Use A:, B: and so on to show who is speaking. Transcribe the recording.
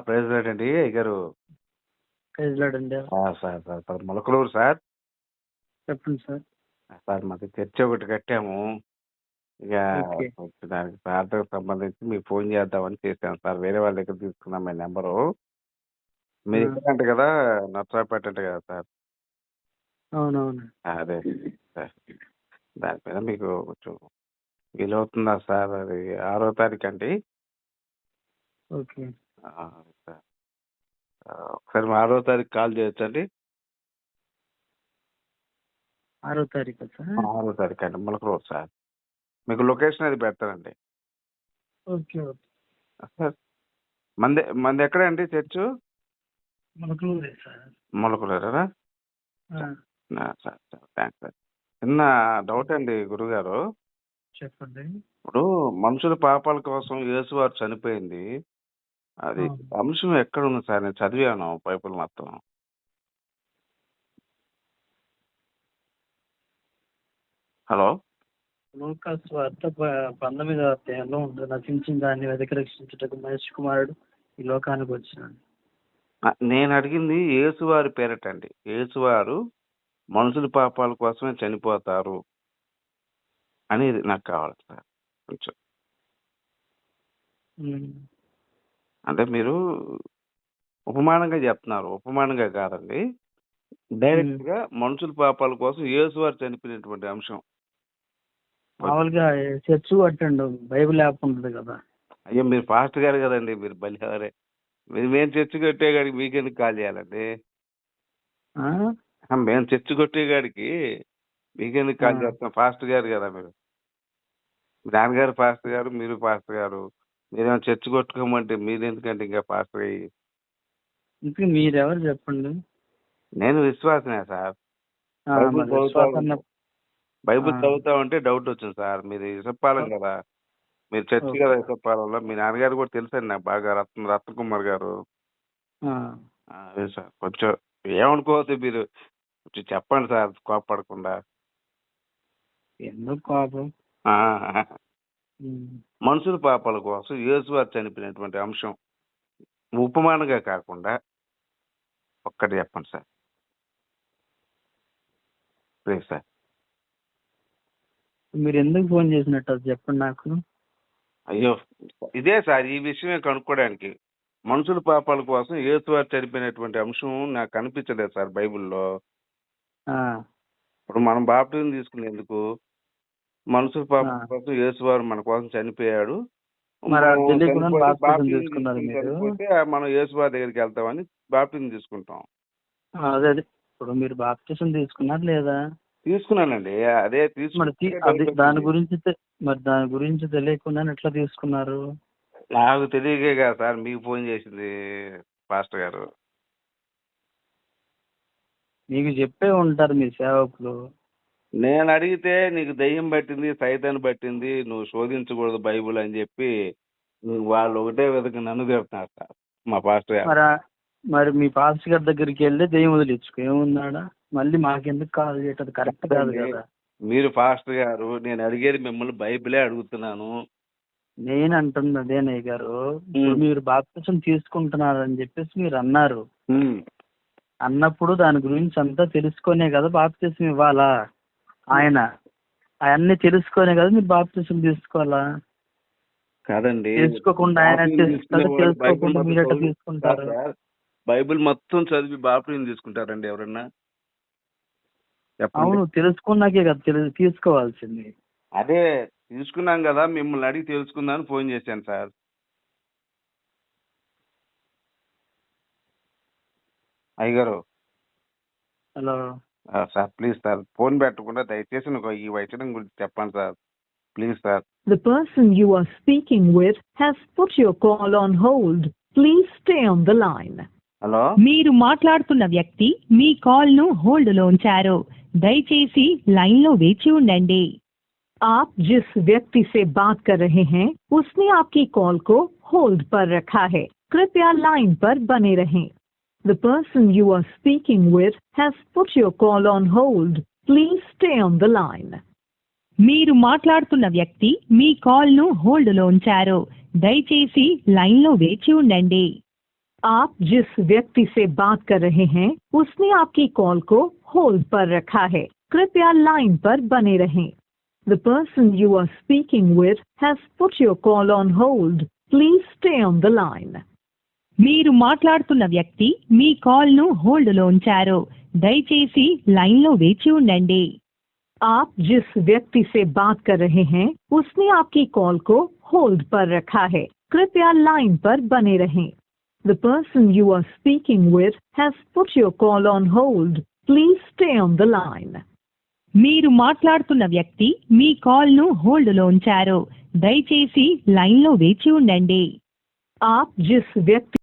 A: President అండి అయ్యగారు.
B: President
A: sir sir sir Molakaluru sir.
B: చెప్పండి సార్.
A: సార్ మాది చర్చి ఒకటి కట్టాము. ఇక
B: ఓకే.
A: దానికి ప్రార్థనకు సంబంధించి మీకు ఫోన్ చేద్దామని చేశాను సార్. వేరే వాళ్ళ దగ్గర తీసుకున్నాం మీ నెంబరు. మీరు ఇక్కడ అంట కదా, నర్సరావుపేట అంట కదా సార్.
B: అవునవును.
A: అదే సార్, దాని మీద మీకు కొంచెం వీలవుతుందా సార్? అది 6వ తారీఖు అండి.
B: ఓకే.
A: సార్ ఒకసారి 6వ తారీఖు కాల్ చేయొచ్చండి?
B: 6వ తారీఖు సార్.
A: 6వ తారీఖు అండి, మొలకలూరు సార్. మీకు లొకేషన్ అది పెడతానండి.
B: ఓకే ఓకే
A: సార్ మంది ఎక్కడండి చర్చు?
B: మొలకలూరే సార్.
A: మొలకలూరేనా? Sir sir thanks sir. చిన్న డౌట్ అండి గురుగారు.
B: చెప్పండి.
A: ఇప్పుడు మనుషుల పాపాల కోసం యేసువారు చనిపోయింది, అది అంశం ఎక్కడ ఉంది సార్? నేను చదివాను బైబిల్ మొత్తం. హలో,
B: లూకాసు వార్త 19వ అధ్యాయంలో ఉంటుంది. నశించిన దాన్ని వెతికి రక్షించుటకు మనిషి కుమారుడు ఈ లోకానికి వచ్చినాడు.
A: నేను అడిగింది యేసువారి పేరటండి. యేసువారు మనుషుల పాపాల కోసమే చనిపోతారు అనేది నాకు కావాలి సార్ కొంచెం. అంటే మీరు ఉపమానంగా చెప్తున్నారు, ఉపమానంగా కాదండి, డైరెక్ట్ గా మనుషుల పాపాల కోసం యేసువారు చనిపోయినటువంటి అంశం.
B: మామూలుగా చర్చ్ కట్టండి, బైబిల్ యాప్ ఉంటుంది కదా.
A: అయ్యో, మీరు పాస్టర్ గారు కదండి, మీరు బలిహారే. మేము చర్చి కొట్టేగాడికి మీకెందుకు కాల్ చేయాలండి? మేము చర్చి కొట్టేగాడికి మీకెందుకు కాల్ చేస్తాం? పాస్టర్ గారు కదా మీరు. మీ నాన్నగారు పాస్టర్ గారు, మీరు పాస్టర్ గారు. మీరేమో చర్చి కొట్టుకోమంటే మీరెందుకంటే ఇంకా పాస్టర్ అయ్యి.
B: ఇంకా మీరెవరు చెప్పండి.
A: నేను విశ్వాసనే సార్. బైబిల్ చదువుతా ఉంటే డౌట్ వచ్చింది సార్. మీరు ఇసప్పాలం కదా, మీరు చర్చి కదా ఇసప్పాలంలో. మీ నాన్నగారు కూడా తెలుసండి నాకు బాగా, రత్నకుమార్ గారు. అదే సార్, కొంచెం ఏమనుకోవద్దు మీరు, కొంచెం చెప్పండి సార్ కోపడకుండా.
B: ఎందుకు కోపం?
A: మనుషుల పాపాల కోసం యేసువారు చనిపోయినటువంటి అంశం ఉపమానంగా కాకుండా ఒక్కటి చెప్పండి సార్ ప్లీజ్ సార్.
B: మీరు ఎందుకు ఫోన్ చేసినట్టు అది చెప్పండి నాకు.
A: అయ్యో, ఇదే సార్, ఈ విషయమే కనుక్కోవడానికి. మనుషుల పాపాల కోసం యేసువారు చనిపోయినటువంటి అంశం నాకు కనిపించలేదు సార్ బైబిల్లో. ఇప్పుడు మనం బాప్టిజం తీసుకునేందుకు మనుషుల పాపాల కోసం యేసువారు మన కోసం చనిపోయాడు. చనిపోతే మనం యేసువారి దగ్గరికి వెళ్తామని బాప్టిజం తీసుకుంటాం.
B: అదే ఇప్పుడు మీరు బాప్టిజం తీసుకున్నారు లేదా?
A: తీసుకున్నానండి. అదే
B: దాని గురించి తెలియకుండా ఎట్లా తీసుకున్నారు?
A: నాకు తెలియకే కదా సార్ మీకు ఫోన్ చేసింది పాస్టర్ గారు.
B: మీకు చెప్పే ఉంటారు మీ సేవకులు.
A: నేను అడిగితే నీకు దయ్యం పట్టింది, సైతాన్ని పట్టింది, నువ్వు శోధించకూడదు బైబుల్ అని చెప్పి వాళ్ళు ఒకటే విధంగా నన్ను తిడుతున్నారు సార్ మా పాస్టర్ గారు.
B: మరి మీ పాస్టర్ గారి దగ్గరికి వెళ్ళి దయ్యం వదిలించుకో, ఏమున్నాడా? మళ్ళీ మాకెందుకు కాల్ చేయటం కరెక్ట్ కాదు కదా.
A: మీరు పాస్టర్ గారు, నేను అడిగేది మిమ్మల్ని బైబిలే అడుగుతున్నాను.
B: నేను అంటుంది అదేనయ్య గారు, మీరు బాప్తిసం తీసుకుంటున్నారని చెప్పేసి మీరు అన్నారు. అన్నప్పుడు దాని గురించి అంతా తెలుసుకునే కదా బాప్తిసం ఇవ్వాలా. ఆయన అవన్నీ తెలుసుకునే కదా మీరు బాప్తిసం తీసుకోవాలా.
A: కాదండి,
B: తెలుసుకోకుండా ఆయన తెలుసుకోకుండా మీరు ఎట్లా తీసుకుంటారు?
A: బైబిల్ మొత్తం చదివి బాప్తిసం తీసుకుంటారండి ఎవరన్నా?
B: అవును, తెలుసుకున్నాకే కదా తీసుకోవాల్సింది.
A: అదే తీసుకున్నాం కదా, మిమ్మల్ని అడిగి తెలుసుకుందామని ఫోన్ చేశాను సార్. అయ్యగారు.
B: Hello
A: sir, please sir, phone పెట్టకుండా దయచేసి ఈ వైద్యం గురించి చెప్పండి sir, please sir.
C: The person you are speaking with has put your call on hold. Please stay on the line.
A: Hello,
C: మీరు మాట్లాడుతున్న వ్యక్తి మీ కాల్ ను హోల్డ్ లో ఉంచారు. దయచేసి లైన్ లో వేచి ఉండండి. आप जिस व्यक्ति से बात कर रहे हैं उसने आपकी कॉल को होल्ड पर रखा है. कृपया लाइन पर बने रहें. The person you are speaking with has put your call on hold. Please stay on the line. మీరు మాట్లాడుతున్న వ్యక్తి మీ కాల్ ను హోల్డ్ లో ఉంచారు. దయచేసి లైన్ లో వేచి ఉండండి. आप जिस व्यक्ति से बात कर रहे हैं उसने आपकी कॉल को होल्ड पर रखा है। कृपया लाइन पर बने रहें। The person you are speaking with has put your call on hold. Please stay on the line. మీరు మాట్లాడుతున్న వ్యక్తి మీ కాల్ ను హోల్డ్ లో ఉంచారు. దయచేసి లైన్ లో వేచి ఉండండి. आप जिस व्यक्ति से बात कर रहे हैं उसने आपकी कॉल को होल्ड पर रखा है। कृपया लाइन पर बने रहें। The person you are speaking with has put your call on hold. Please stay on the line. మీరు మాట్లాడుతున్న వ్యక్తి మీ కాల్ ను హోల్డ్ లో ఉంచారు. దయచేసి లైన్ లో వేచి ఉండండి. आप जिस व्यक्ति